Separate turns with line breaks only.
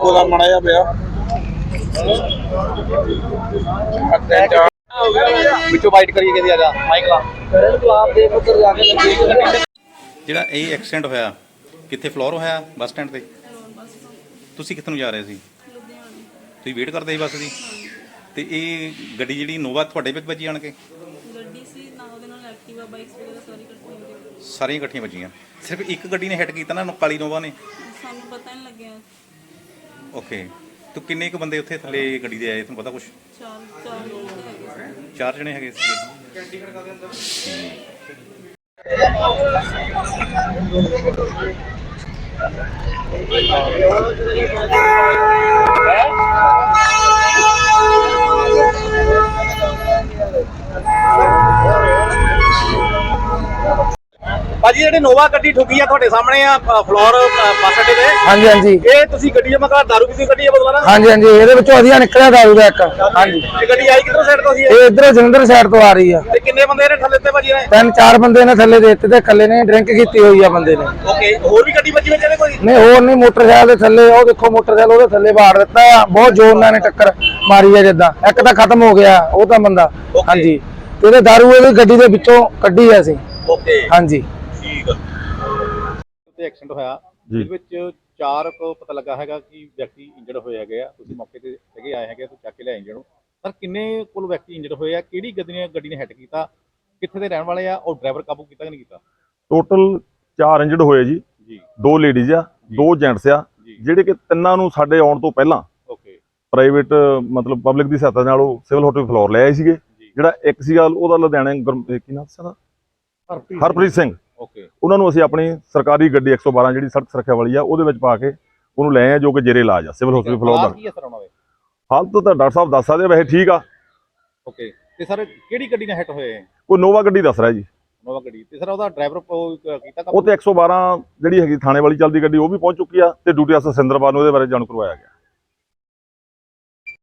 ਇੱਕੋ ਦਾ ਮਾੜਾ ਜਿਹਾ ਪਿਆ
ਵਿੱਚੋਂ ਵਾਈਟ ਕਰੀ ਕਹਿੰਦੀ ਆ ਜਾ ਮਾਈਕ ਲਾ ਗੁਲਾਬ ਦੇ ਉੱਧਰ ਜਾ ਕੇ ਲੱਗੀ।
ਜਿਹੜਾ ਇਹ ਐਕਸੀਡੈਂਟ ਹੋਇਆ ਕਿੱਥੇ ਫਲੋਰ ਹੋਇਆ ਬੱਸ ਸਟੈਂਡ ਤੇ? ਤੁਸੀਂ ਕਿੱਥੇ ਨੂੰ ਜਾ ਰਹੇ ਸੀ? ਤੁਸੀਂ ਵੇਟ ਕਰਦੇ ਸੀ ਬੱਸ ਦੀ? ਤੇ ਇਹ ਗੱਡੀ ਜਿਹੜੀ ਨੋਵਾ ਤੁਹਾਡੇ ਵਿੱਚ ਵੱਜੀ ਆਣ ਕੇ?
ਗੱਡੀ ਸੀ ਨਾ ਉਹਦੇ ਨਾਲ ਐਕਟਿਵਾ ਬਾਈਕਸ ਵਗੈਰਾ ਸਾਰੀ ਇਕੱਠੀਆਂ ਹੋ ਗਈਆਂ।
ਸਾਰੀਆਂ ਇਕੱਠੀਆਂ ਵੱਜੀਆਂ? ਸਿਰਫ ਇੱਕ ਗੱਡੀ ਨੇ ਹਿੱਟ ਕੀਤਾ ਨਾ, ਕਾਲੀ ਨੋਵਾ ਨੇ?
ਸਾਨੂੰ ਪਤਾ ਨਹੀਂ ਲੱਗਿਆ।
ਓਕੇ। ਤੇ ਕਿੰਨੇ ਕੁ ਬੰਦੇ ਉੱਥੇ ਥੱਲੇ ਗੱਡੀ ਦੇ ਆਏ, ਤੁਹਾਨੂੰ ਪਤਾ ਕੁਛ?
ਚਾਰ ਲੋਕ ਹੈਗੇ ਸੀ।
4 ਜਣੇ ਹੈਗੇ ਸੀ।
ਭਾਜੀ ਜਿਹੜੀ ਨੋਵਾ ਗੱਡੀ ਠੁੱਕੀ ਆ ਤੁਹਾਡੇ ਸਾਹਮਣੇ ਆ ਫਲੋਰ ਬੱਸ ਅੱਡੇ ਤੇ।
ਹਾਂਜੀ ਹਾਂਜੀ
ਇਹ ਤੁਸੀਂ ਗੱਡੀ ਜਮਾ ਕਰ ਦਾਰੂ ਪੀਤੀ ਗੱਡੀ ਆ ਬਦਲਾ ਨਾ?
ਹਾਂਜੀ ਹਾਂਜੀ ਇਹਦੇ ਵਿੱਚੋਂ ਵਧੀਆ ਨਿਕਲਿਆ ਦਾਰੂ ਦਾ ਇੱਕ। ਹਾਂਜੀ
ਇਹ ਗੱਡੀ ਆਈ ਕਿੱਧਰੋਂ ਸਾਈਡ ਤੋਂ ਸੀ
ਇਹ ਇਧਰੋਂ ਜਲੰਧਰ ਸਾਈਡ ਤੋਂ ਆ ਰਹੀ ਆ।
ਤੇ ਕਿੰਨੇ ਬੰਦੇ ਨੇ ਥੱਲੇ ਤੇ ਭਾਜੀ ਨੇ?
3-4 ਬੰਦੇ ਨੇ ਥੱਲੇ ਦੇ ਦਿੱਤੇ ਤੇ ਇਕੱਲੇ ਨੇ ਡਰਿੰਕ ਕੀਤੀ ਹੋਈ ਆ ਬੰਦੇ ਨੇ।
ਓਕੇ, ਹੋਰ ਵੀ ਗੱਡੀ ਵੱਜੀ ਵਿੱਚ ਇਹਦੇ ਕੋਈ?
ਨਹੀਂ ਹੋਰ ਨਹੀਂ, ਮੋਟਰਸਾਈਕਲ ਦੇ ਥੱਲੇ ਉਹ ਦੇਖੋ ਮੋਟਰਸਾਈਕਲ ਉਹਦੇ ਥੱਲੇ ਬਾੜ ਦਿੱਤਾ ਆ, ਬਹੁਤ ਜ਼ੋਰ ਨਾਲ ਨੇ ਟੱਕਰ ਮਾਰੀ ਆ ਜਿੱਦਾਂ। ਇੱਕ ਤਾਂ ਖਤਮ ਹੋ ਗਿਆ ਉਹ ਤਾਂ ਬੰਦਾ। ਹਾਂਜੀ ਤੇ ਇਹਦੇ ਦਾਰੂ ਇਹਦੀ ਗੱਡੀ ਦੇ ਵਿੱਚੋਂ ਕੱਢੀ ਆ ਅਸੀਂ।
ਓਕੇ
ਹਾਂਜੀ
ਠੀਕ ਆ। ਤੇ ਐਕਸੀਡੈਂਟ ਹੋਇਆ ਜਿਹਦੇ ਵਿੱਚ 4 ਕੋ ਪਤਾ ਲੱਗਾ ਹੈਗਾ ਕਿ ਵਿਅਕਤੀ ਇੰਜਰਡ ਹੋਏ ਹੈਗੇ ਆ। ਤੁਸੀਂ ਮੌਕੇ ਤੇ ਹੈਗੇ ਆਏ ਹੈਗੇ, ਤੁਸੀਂ ਚੱਕ ਕੇ ਲਿਆਏ ਇੰਜਰਡ ਨੂੰ। ਸਰ ਕਿੰਨੇ ਕੋਲ ਵਿਅਕਤੀ ਇੰਜਰਡ ਹੋਏ ਆ? ਕਿਹੜੀ ਗੱਡੀ ਨੇ ਹਿੱਟ ਕੀਤਾ? ਕਿੱਥੇ ਦੇ ਰਹਿਣ ਵਾਲੇ ਆ? ਔਰ ਡਰਾਈਵਰ ਕਾਬੂ ਕੀਤਾ ਕਿ ਨਹੀਂ ਕੀਤਾ?
ਟੋਟਲ 4 ਇੰਜਰਡ ਹੋਏ ਜੀ। 2 ਲੇਡੀਜ਼ ਆ, 2 ਜੈਂਟਸ ਆ, ਜਿਹੜੇ ਕਿ ਤਿੰਨਾਂ ਨੂੰ ਸਾਡੇ ਆਉਣ ਤੋਂ ਪਹਿਲਾਂ ਪ੍ਰਾਈਵੇਟ ਮਤਲਬ ਪਬਲਿਕ ਦੀ ਸਹਾਇਤਾ ਨਾਲ ਉਹ ਸਿਵਲ ਹਸਪਤਾਲ ਫਲੋਰ ਲੈ ਆਏ ਸੀਗੇ। ਜਿਹੜਾ ਇੱਕ ਸੀਗਾ ਉਹਦਾ ਲੁਧਿਆਣੇ ਕੀ ਨਾਮ ਸੀ ਉਹਦਾ? ਹਰਪ੍ਰੀਤ ਸਿੰਘ। ਉਹਨਾਂ ਨੂੰ ਅਸੀਂ ਆਪਣੀ ਸਰਕਾਰੀ ਗੱਡੀ 112 ਜਿਹੜੀ ਸੜਕ ਸੁਰੱਖਿਆ ਵਾਲੀ ਆ ਉਹਦੇ ਵਿੱਚ ਪਾ ਕੇ ਉਹਨੂੰ ਲੈ ਆਏ, ਜੋ ਕਿ ਜੇਰੇ ਇਲਾਜ ਆ ਸਿਵਲ ਹਸਪਤਾਲ ਫਲੋਰ ਦਾ। ਹਾਲਤ ਤਾਂ ਡਾਕਟਰ ਸਾਹਿਬ ਦੱਸ ਸਕਦੇ, ਵੈਸੇ ਠੀਕ ਆ।
ਓਕੇ, ਤੇ ਸਰ ਕਿਹੜੀ ਗੱਡੀ ਨਾਲ ਹਿੱਟ ਹੋਏ?
ਕੋਈ ਨੋਵਾ ਗੱਡੀ ਦੱਸ ਰਿਹਾ ਜੀ।
ਨੋਵਾ ਗੱਡੀ। ਤੇ ਸਰ ਉਹਦਾ ਡਰਾਈਵਰ ਕੀਤਾ?
ਉਹ ਤੇ 112 ਜਿਹੜੀ ਹੈਗੀ ਥਾਣੇ ਵਾਲੀ ਚੱਲਦੀ ਗੱਡੀ ਉਹ ਵੀ ਪਹੁੰਚ ਚੁੱਕੀ ਆ ਤੇ ਡਿਊਟੀ ਅਫਸਰ ਸਿੰਦਰਪਾਲ ਨੂੰ ਉਹਦੇ ਬਾਰੇ ਜਾਣੂ ਕਰਵਾਇਆ ਗਿਆ।